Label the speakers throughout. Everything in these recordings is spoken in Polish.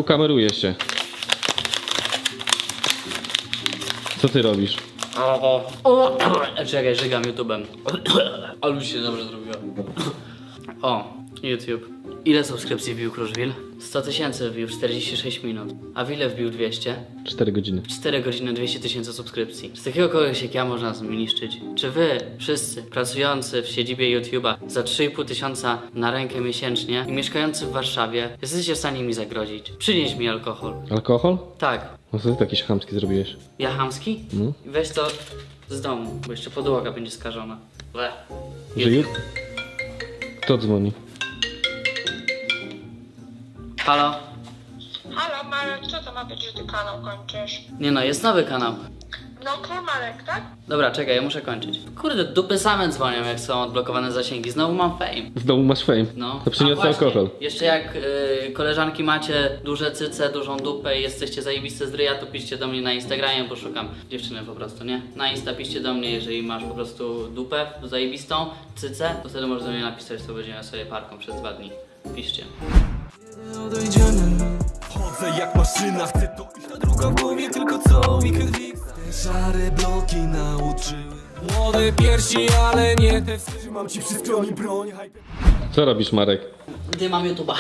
Speaker 1: kameruje się. Co ty robisz?
Speaker 2: Czekaj, żygam YouTube'em. Ale już się dobrze zrobiło. O, YouTube. Ile subskrypcji wbił Kruszwil? 100 000 wbił, 46 minut. A w ile wbił 200?
Speaker 1: 4 godziny.
Speaker 2: 4 godziny, 200 000 subskrypcji. Z takiego kogoś jak ja można zniszczyć. Czy wy, wszyscy, pracujący w siedzibie YouTube'a za 3,5 tysiąca na rękę miesięcznie i mieszkający w Warszawie, jesteście w stanie mi zagrozić? Przynieś mi alkohol.
Speaker 1: Alkohol?
Speaker 2: Tak.
Speaker 1: No co ty taki chamski zrobiłeś?
Speaker 2: Ja chamski?
Speaker 1: No.
Speaker 2: Weź to z domu, bo jeszcze podłoga będzie skażona. Ble.
Speaker 1: Że Kto dzwoni?
Speaker 2: Halo?
Speaker 3: Halo Marek, co to ma być, że ty kanał kończysz?
Speaker 2: Nie no, jest nowy kanał.
Speaker 3: No okej, Marek, tak?
Speaker 2: Dobra, czekaj, ja muszę kończyć. Kurde, dupy same dzwonią, jak są odblokowane zasięgi. Znowu mam fame.
Speaker 1: W domu masz fame.
Speaker 2: No.
Speaker 1: To przyniosę
Speaker 2: A właśnie,
Speaker 1: alkohol.
Speaker 2: Jeszcze jak koleżanki macie duże cyce, dużą dupę i jesteście zajebiste z ryja, to piszcie do mnie na Instagramie, bo szukam dziewczyny po prostu, nie? Na Insta piszcie do mnie, jeżeli masz po prostu dupę zajebistą, cycę, to wtedy możesz do mnie napisać, to będziemy sobie parką przez 2 dni. Piszcie.
Speaker 4: Odejdziemy. Chodzę jak maszyna, chcę to iść na drugą w głowie, tylko co weekend fix. Te szare bloki nauczyły młode piersi, ale nie te. Trzymam ci przy skroni broń.
Speaker 1: Co robisz, Marek?
Speaker 2: Dymam YouTube'a.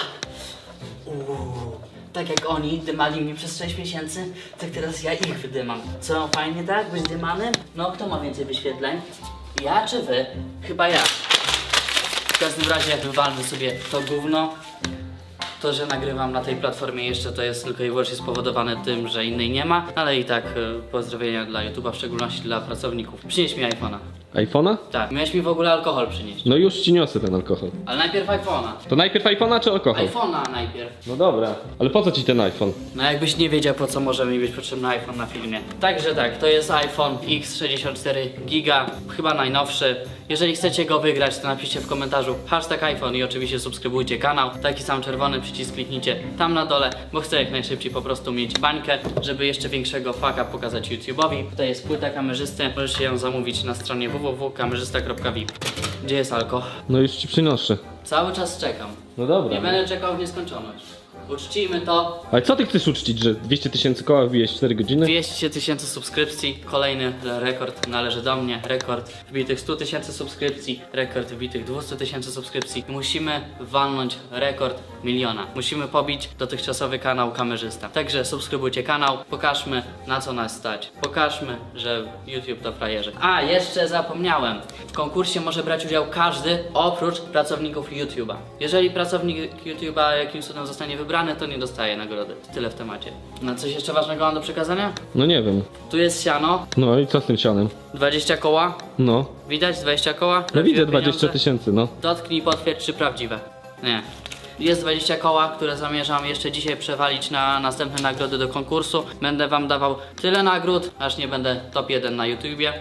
Speaker 2: Tak jak oni dymali mnie przez 6 miesięcy, tak teraz ja ich wydymam. Co, fajnie tak? Być dymanym? No, kto ma więcej wyświetleń? Ja czy wy? Chyba ja. W każdym razie wywalmy sobie to gówno. To, że nagrywam na tej platformie jeszcze, to jest tylko i wyłącznie spowodowane tym, że innej nie ma, ale i tak pozdrowienia dla YouTube'a, w szczególności dla pracowników. Przynieś mi iPhone'a.
Speaker 1: iPhone'a?
Speaker 2: Tak, miałeś mi w ogóle alkohol przynieść.
Speaker 1: No już ci niosę ten alkohol.
Speaker 2: Ale najpierw iPhone'a.
Speaker 1: To najpierw iPhone'a czy alkohol?
Speaker 2: iPhone'a najpierw.
Speaker 1: No dobra. Ale po co ci ten iPhone?
Speaker 2: No jakbyś nie wiedział, po co może mi być potrzebny iPhone na filmie. Także tak, to jest iPhone X64 Giga, chyba najnowszy. Jeżeli chcecie go wygrać, to napiszcie w komentarzu #iPhone i oczywiście subskrybujcie kanał. Taki sam czerwony przycisk kliknijcie tam na dole, bo chcę jak najszybciej po prostu mieć bańkę, żeby jeszcze większego faka pokazać YouTube'owi. Tutaj jest płyta kamerzysty, możecie ją zamówić na stronie www.kamerzysta.vip. Gdzie jest alko?
Speaker 1: No już ci przynoszę.
Speaker 2: Cały czas czekam.
Speaker 1: No dobra.
Speaker 2: Nie będę czekał w nieskończoność. Uczcijmy to.
Speaker 1: Ale co ty chcesz uczcić, że 200 000 koła wbijesz w 4 godziny?
Speaker 2: 200 000 subskrypcji, kolejny rekord należy do mnie, rekord wbitych 100 000 subskrypcji, rekord wbitych 200 000 subskrypcji. Musimy walnąć rekord 1 000 000. Musimy pobić dotychczasowy kanał kamerzysta. Także subskrybujcie kanał, pokażmy na co nas stać. Pokażmy, że YouTube to frajerzy. A, jeszcze zapomniałem. W konkursie może brać udział każdy oprócz pracowników YouTube'a. Jeżeli pracownik YouTube'a jakimś cudem zostanie wybrany, to nie dostaje nagrody. Tyle w temacie. No coś jeszcze ważnego mam do przekazania?
Speaker 1: No nie wiem.
Speaker 2: Tu jest siano,
Speaker 1: No i co z tym sianem?
Speaker 2: 20 koła.
Speaker 1: No.
Speaker 2: Widać 20 koła?
Speaker 1: No
Speaker 2: Prawdziwe
Speaker 1: widzę 20
Speaker 2: pieniądze?
Speaker 1: 000, no.
Speaker 2: Dotknij, potwierdź, czy prawdziwe. Nie. Jest 20 koła, które zamierzam jeszcze dzisiaj przewalić na następne nagrody do konkursu. Będę wam dawał tyle nagród, aż nie będę top 1 na YouTubie.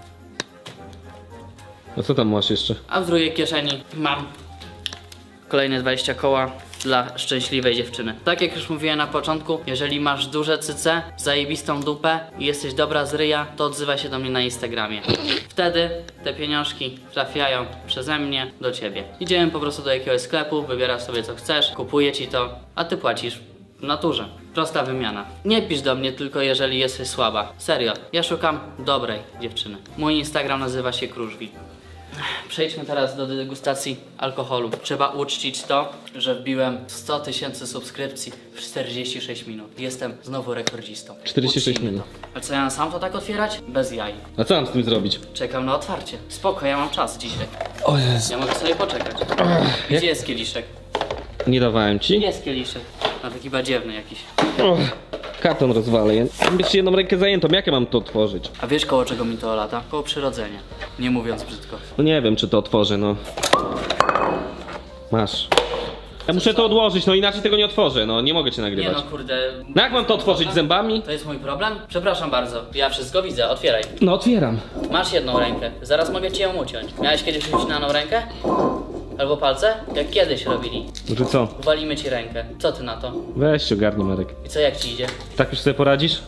Speaker 1: A co tam masz jeszcze?
Speaker 2: A w drugiej kieszeni mam kolejne 20 koła dla szczęśliwej dziewczyny. Tak jak już mówiłem na początku, jeżeli masz duże cyce, zajebistą dupę i jesteś dobra z ryja, to odzywaj się do mnie na Instagramie. Wtedy te pieniążki trafiają przeze mnie do ciebie. Idziemy po prostu do jakiegoś sklepu, wybierasz sobie co chcesz, kupuję ci to, a ty płacisz w naturze. Prosta wymiana. Nie pisz do mnie tylko jeżeli jesteś słaba. Serio, ja szukam dobrej dziewczyny. Mój Instagram nazywa się Kruszwil. Przejdźmy teraz do degustacji alkoholu. Trzeba uczcić to, że wbiłem 100 000 subskrypcji w 46 minut. Jestem znowu rekordzistą.
Speaker 1: 46
Speaker 2: Uczcijmy
Speaker 1: minut.
Speaker 2: to. A co, ja mam sam to tak otwierać? Bez jaj.
Speaker 1: A co mam z tym zrobić?
Speaker 2: Czekam na otwarcie. Spoko, ja mam czas dzisiaj.
Speaker 1: O Jezu.
Speaker 2: Ja mogę sobie poczekać. Gdzie jest kieliszek?
Speaker 1: Nie dawałem ci?
Speaker 2: Jest kieliszek. No taki badziewny jakiś.
Speaker 1: Karton rozwalę. Mam jeszcze jedną rękę zajętą, jak ja mam to otworzyć?
Speaker 2: A wiesz koło czego mi to lata? Koło przyrodzenia. Nie mówiąc brzydko.
Speaker 1: No nie wiem, czy to otworzę, no. Masz. Ja muszę to odłożyć, no inaczej tego nie otworzę, no nie mogę cię
Speaker 2: Nie
Speaker 1: nagrywać.
Speaker 2: no kurde.
Speaker 1: No jak mam to otworzyć zębami?
Speaker 2: To jest mój problem? Przepraszam bardzo. Ja wszystko widzę, otwieraj.
Speaker 1: No otwieram.
Speaker 2: Masz jedną rękę, zaraz mogę ci ją uciąć. Miałeś kiedyś ucinaną rękę? Albo palce? Jak kiedyś robili.
Speaker 1: Że co?
Speaker 2: Uwalimy ci rękę. Co ty na to?
Speaker 1: Weź się ogarnij, Marek.
Speaker 2: I co, jak ci idzie?
Speaker 1: Tak już sobie poradzisz?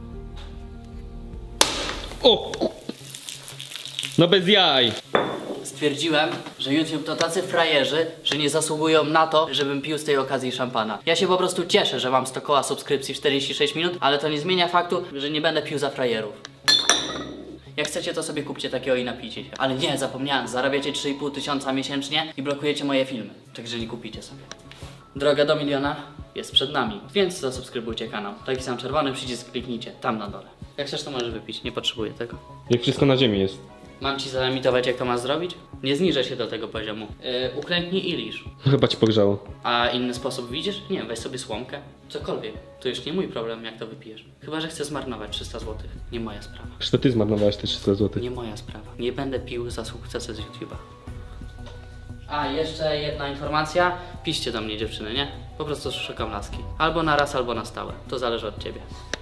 Speaker 1: O! No bez jaj!
Speaker 2: stwierdziłem, że YouTube to tacy frajerzy, że nie zasługują na to, żebym pił z tej okazji szampana. Ja się po prostu cieszę, że mam 100 koła subskrypcji w 46 minut, ale to nie zmienia faktu, że nie będę pił za frajerów. Jak chcecie, to sobie kupcie takiego i napijcie się. Ale nie, zapomniałem, zarabiacie 3,5 tysiąca miesięcznie i blokujecie moje filmy. Także nie kupicie sobie. Droga do miliona jest przed nami, więc zasubskrybujcie kanał. Taki sam czerwony przycisk kliknijcie, tam na dole. Jak chcesz, to możesz wypić, nie potrzebuję tego.
Speaker 1: Jak wszystko na ziemi jest.
Speaker 2: Mam ci zaemitować, jak to masz zrobić? Nie zniżę się do tego poziomu. Uklęknij i lisz.
Speaker 1: Chyba ci pogrzało.
Speaker 2: A inny sposób widzisz? Nie wiem, weź sobie słomkę. Cokolwiek. To już nie mój problem, jak to wypijesz. Chyba że chcę zmarnować 300 zł. Nie moja sprawa.
Speaker 1: Zresztą ty zmarnowałeś te 300 zł.
Speaker 2: Nie moja sprawa. Nie będę pił za sukcesy z YouTube'a. A, jeszcze jedna informacja. Piszcie do mnie, dziewczyny, nie? Po prostu szukam laski. Albo na raz, albo na stałe. To zależy od ciebie.